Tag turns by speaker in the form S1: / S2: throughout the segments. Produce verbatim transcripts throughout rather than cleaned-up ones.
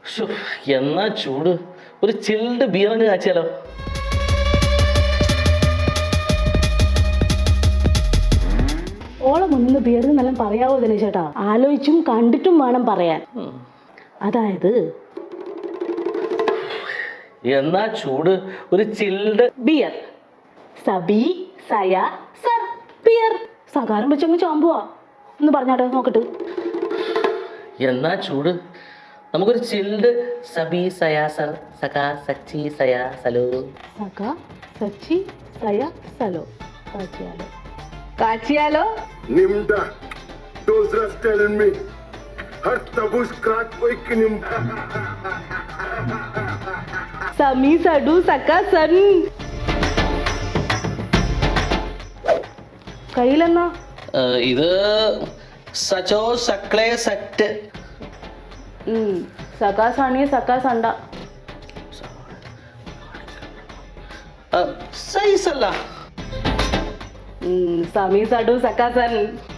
S1: എന്നാ ചൂട്, ഒരു ചിൽഡ് ബിയറങ്ങ് കാച്ചിയാലോ?
S2: ഓളം ഒന്ന് ബിയർ എന്നെല്ലാം പറയാവോ ദിനേശേട്ടാ? ആലോചിച്ചും കണ്ടിട്ടും വേണം പറയാൻ. അതായത്
S1: എന്നാ ചൂട്, ഒരു ചിൽഡ്
S2: ബിയർ. സബി സയ സർ ബിയർ. സകാരം വെച്ചങ്ങ് ചാമ്പുവാ ഒന്ന് പറഞ്ഞാട്ടെ നോക്കട്ട്.
S1: എന്നാ ചൂട്, നമുക്കൊരു ചിൽഡ് സബി സയ സർ സക സച്ചി സയ സലോ.
S2: സക സച്ചി സയ സലോ. കാച്ചിയാലോ കാച്ചിയാലോ.
S3: Nimda, those are telling me. Har tabush krat koi nimda.
S2: സമി സഡു സക്ക സൻ. കയ്യിലെന്നാ?
S1: ഇത് സച്ചോ സക്ലേ സറ്റ്.
S2: സക്കാ സണി സക്കാ സണ്ട.
S1: സൈസല്ല.
S2: സമി സഡു സക്കാ സൻ.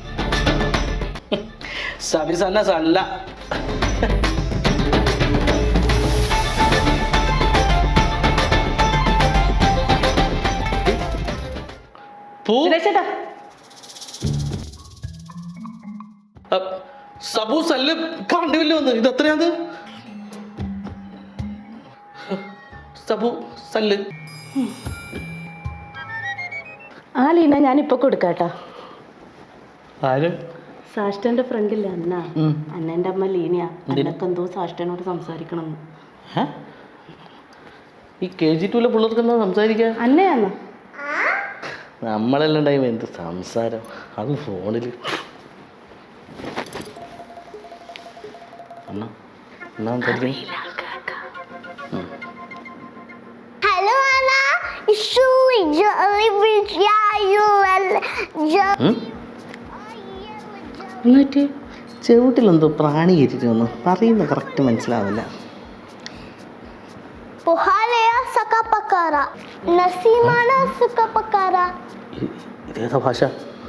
S1: സബി സന്ന സല്ല. സബു സല്ല് കണ്ടുമില്ല വന്ന്. ഇത് എത്രയാത്? സബു സല്ല്.
S2: ആ ലീന ഞാനിപ്പൊ കൊടുക്കാട്ടാ.
S1: ആര്?
S2: സാഷ്ടന്റെ ഫ്രണ്ടില്ല അന്ന. അന്നെന്റെ അമ്മ ലീനയാ. അന്നൊക്കെ എന്തോ സാഷ്ടനോട് സംസാരിക്കണം.
S1: ഈ കെ ജി ടുവിലെ പിള്ളേർക്ക് എന്താ സംസാരിക്കുക?
S2: അന്നയാന്ന
S1: നമ്മളെല്ലാം ടൈം എന്ത് സംസാരം, അത് ഫോണിൽ.
S4: Hello Anna, so jolly with you
S1: എന്നിട്ട് ചെവിട്ടിലെന്തോ പ്രാണി കയറ്റിട്ട് വന്നു. പറയുന്ന കറക്റ്റ് മനസ്സിലാവില്ല.
S4: Puhalaya saka pakara, nasimana suka pakara.
S1: ഇതേതാ ഭാഷ?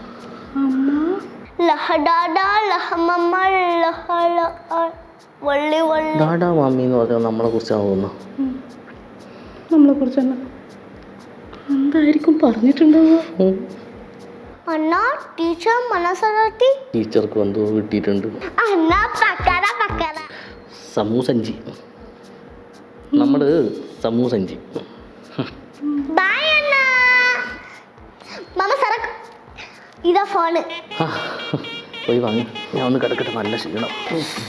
S4: ലഹഡാഡാ ലഹമമ്മ ലഹള വള്ളി വള്ളി.
S1: ഡാഡാ മമ്മി എന്ന് പറഞ്ഞാൽ നമ്മളെ കുറിച്ചാണ് തോന്നുന്നു.
S2: നമ്മളെ കുറിച്ച് എന്തായിരിക്കും പറഞ്ഞിട്ടുണ്ടാവുക?
S4: അന്ന ടീച്ചർ മനസ്സറത്തി.
S1: ടീച്ചർക്ക് എന്തോ കിട്ടിയിട്ടുണ്ട്.
S4: അന്ന പക്കര പക്കര
S1: സമൂസഞ്ചി. നമ്മള് സമൂസഞ്ചി.
S4: ബൈ അന്ന. മമ്മ സറക്ക്. ഇതാ ഫോണ്.
S1: പോയി വാങ്ങി. ഞാൻ ഒന്ന് കിടക്കട്ടെ, നല്ല ക്ഷീണം.